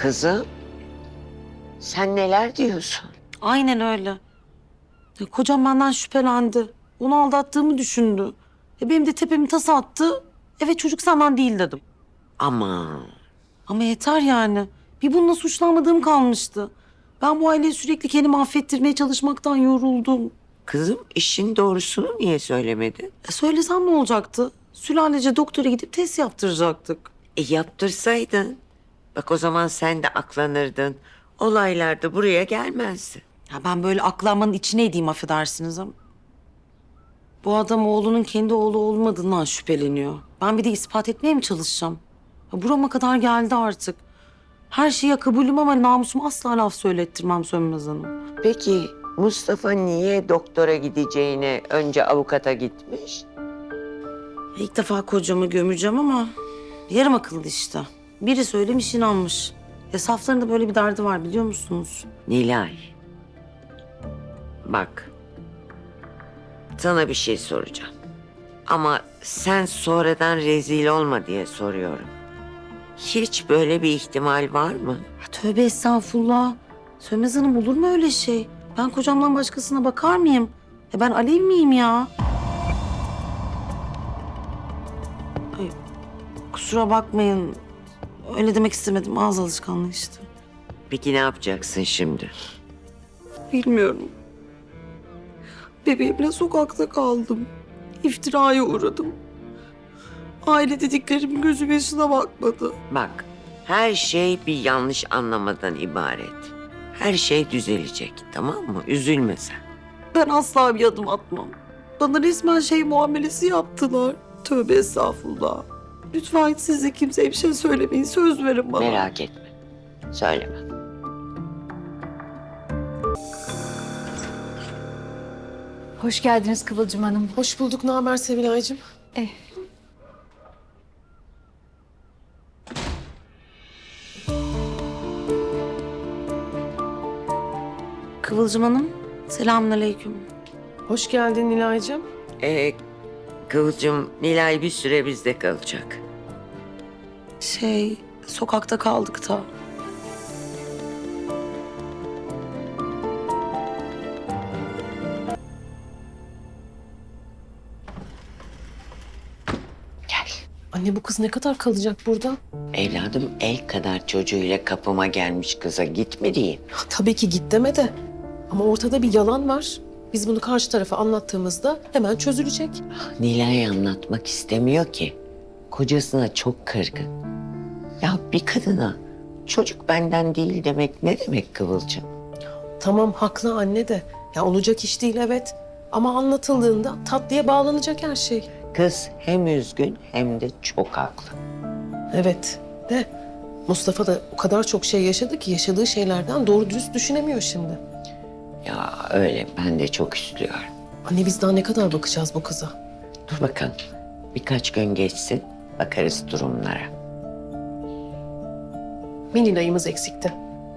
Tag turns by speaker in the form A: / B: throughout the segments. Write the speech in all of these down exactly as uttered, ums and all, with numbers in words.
A: Kızım, sen neler diyorsun?
B: Aynen öyle. Ya, kocam benden şüphelendi. Onu aldattığımı düşündü. E, benim de tepemi tasa attı. Evet çocuk senden değil dedim.
A: Aman,
B: Ama yeter yani. Bir bununla suçlanmadığım kalmıştı. Ben bu aileyi sürekli kendimi affettirmeye çalışmaktan yoruldum.
A: kızım işin doğrusunu niye söylemedin?
B: E, söylesem ne olacaktı? Sülalece doktora gidip test yaptıracaktık.
A: E yaptırsaydın. Bak o zaman sen de aklanırdın. Olaylar da buraya gelmezdi.
B: Ya ben böyle aklanmanın içine edeyim affedersiniz ama. Bu adam oğlunun kendi oğlu olmadığından şüpheleniyor. Ben bir de ispat etmeye mi çalışacağım? Ya burama kadar geldi artık. Her şeye kabulüm ama namusuma asla laf söylettirmem Sönmez Hanım.
A: Peki Mustafa niye doktora gideceğine önce avukata gitmiş?
B: İlk defa kocamı gömeceğim ama yarım akıllı işte. Biri söylemiş inanmış. Ya saflarında böyle bir derdi var biliyor musunuz?
A: Nilay. Bak. Sana bir şey soracağım. Ama sen sonradan rezil olma diye soruyorum. Hiç böyle bir ihtimal var mı?
B: Ya tövbe estağfurullah. Sönmez Hanım olur mu öyle şey? Ben kocamdan başkasına bakar mıyım? Ya ben Alev miyim ya? Ay, kusura bakmayın. Öyle demek istemedim. Ağız alışkanlığı işte.
A: Peki ne yapacaksın şimdi?
B: Bilmiyorum. Bebeğimle sokakta kaldım. İftiraya uğradım. Aile dediklerim gözüm yaşına bakmadı.
A: Bak, her şey bir yanlış anlamadan ibaret. Her şey düzelecek, tamam mı? Üzülme sen.
B: Ben asla bir adım atmam. Bana resmen şey muamelesi yaptılar. Tövbe estağfurullah. Lütfen siz de kimseye bir şey söylemeyin. Söz verin bana.
A: Merak etme. Söyleme.
C: Hoş geldiniz Kıvılcım Hanım.
D: Hoş bulduk. Ne haber Sevilay'cığım?
C: Eh,
B: Kıvılcım Hanım, selamünaleyküm.
D: Hoş geldin Nilay'cığım.
A: Ee, Kıvılcım, Nilay bir süre bizde kalacak.
B: Şey, sokakta kaldık da.
D: Anne bu kız ne kadar kalacak burada?
A: Evladım el kadar çocuğuyla kapıma gelmiş kıza git mi diyeyim?
D: Tabii ki git deme de. Ama ortada bir yalan var. Biz bunu karşı tarafa anlattığımızda hemen çözülecek.
A: Nilay anlatmak istemiyor ki. Kocasına çok kırgın. Ya bir kadına çocuk benden değil demek ne demek Kıvılcım?
D: Tamam haklı anne de. Ya olacak iş değil evet. Ama anlatıldığında tatlıya bağlanacak her şey.
A: Kız hem üzgün hem de çok haklı.
D: Evet de Mustafa da o kadar çok şey yaşadı ki yaşadığı şeylerden doğru dürüst düşünemiyor şimdi.
A: Ya öyle ben de çok üzülüyorum.
D: Anne biz daha ne kadar bakacağız bu kıza?
A: Dur bakalım birkaç gün geçsin bakarız durumlara.
D: Bir Nilay'ımız eksikti.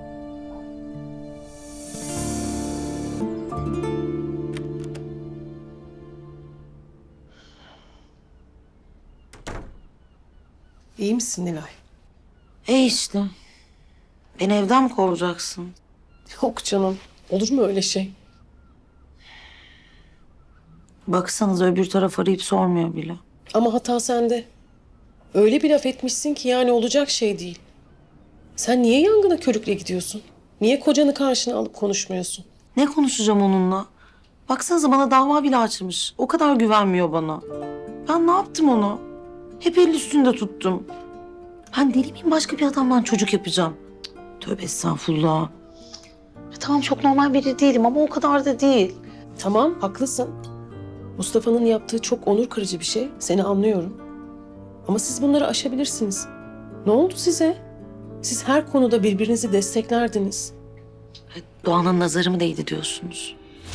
D: İyi misin Nilay?
B: E işte. Beni evden mi kovacaksın?
D: Yok canım. Olur mu öyle şey?
B: Baksanıza öbür taraf arayıp sormuyor bile.
D: Ama hata sende. Öyle bir laf etmişsin ki yani olacak şey değil. Sen niye yangına körükle gidiyorsun? Niye kocanı karşına alıp konuşmuyorsun?
B: Ne konuşacağım onunla? Baksanıza bana dava bile açmış. O kadar güvenmiyor bana. Ben ne yaptım ona? Hep el üstünde tuttum. Ben deli miyim başka bir adamdan çocuk yapacağım? Cık, tövbe estağfurullah. Ya tamam çok normal biri değilim ama o kadar da değil.
D: Tamam, haklısın. Mustafa'nın yaptığı çok onur kırıcı bir şey. Seni anlıyorum. Ama siz bunları aşabilirsiniz. Ne oldu size? Siz her konuda birbirinizi desteklerdiniz.
B: E, Doğan'ın nazarı mı değdi diyorsunuz?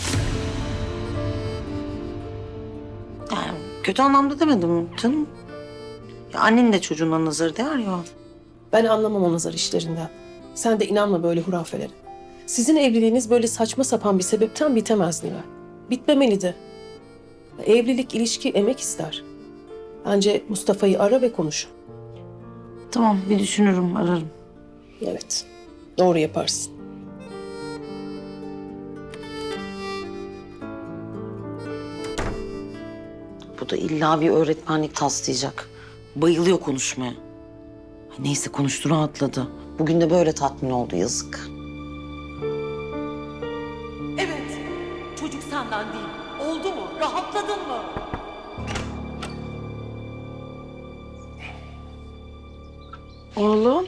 B: Yani kötü anlamda demedim canım. Ya annenin de çocuğuna nazarı değer ya.
D: Ben anlamam o nazar işlerinden. Sen de inanma böyle hurafelere. Sizin evliliğiniz böyle saçma sapan bir sebepten bitemez Nilay. Bitmemeli de. Evlilik, ilişki emek ister. Bence Mustafa'yı ara ve konuş.
B: Tamam bir düşünürüm ararım.
D: Evet. Doğru yaparsın.
B: Bu da illa bir öğretmenlik taslayacak. Bayılıyor konuşmaya. Ay neyse konuştu, rahatladı. Bugün de böyle tatmin oldu, yazık.
E: Evet, çocuk senden değil. Oldu mu? Rahatladın mı?
F: Oğlum.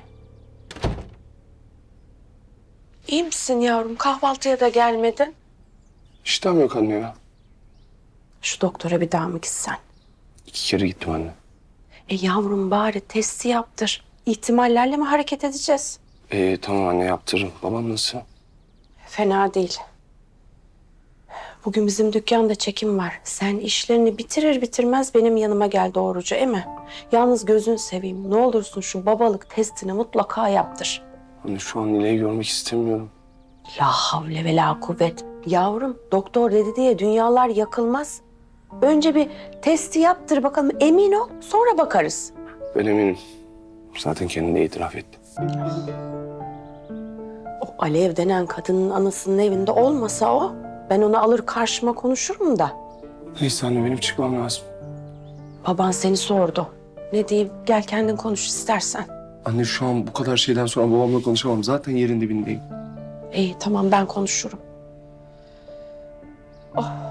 F: İyi misin yavrum? Kahvaltıya da gelmedin.
G: İştahım yok anne ya.
F: Şu doktora bir daha mı gitsen?
G: İki kere gittim anne.
F: E yavrum bari testi yaptır. İhtimallerle mi hareket edeceğiz?
G: Ee, tamam anne yaptırırım. Babam nasıl?
F: Fena değil. Bugün bizim dükkanda çekim var. Sen işlerini bitirir bitirmez benim yanıma gel doğruca, değil mi? Yalnız gözün seveyim. Ne olursun şu babalık testini mutlaka yaptır.
G: Anne şu an Nilay'ı görmek istemiyorum.
F: La havle ve la kuvvet. Yavrum doktor dedi diye dünyalar yakılmaz. Önce bir testi yaptır bakalım, emin ol, sonra bakarız.
G: Ben eminim. Zaten kendi de itiraf etti.
F: O Alev denen kadının anasının evinde olmasa o, ben onu alır karşıma konuşurum da.
G: Neyse anne benim çıkmam lazım.
F: Baban seni sordu. Ne diyeyim, gel kendin konuş istersen.
G: Anne şu an bu kadar şeyden sonra babamla konuşamam. Zaten yerin dibindeyim.
F: İyi tamam, ben konuşurum. Oh.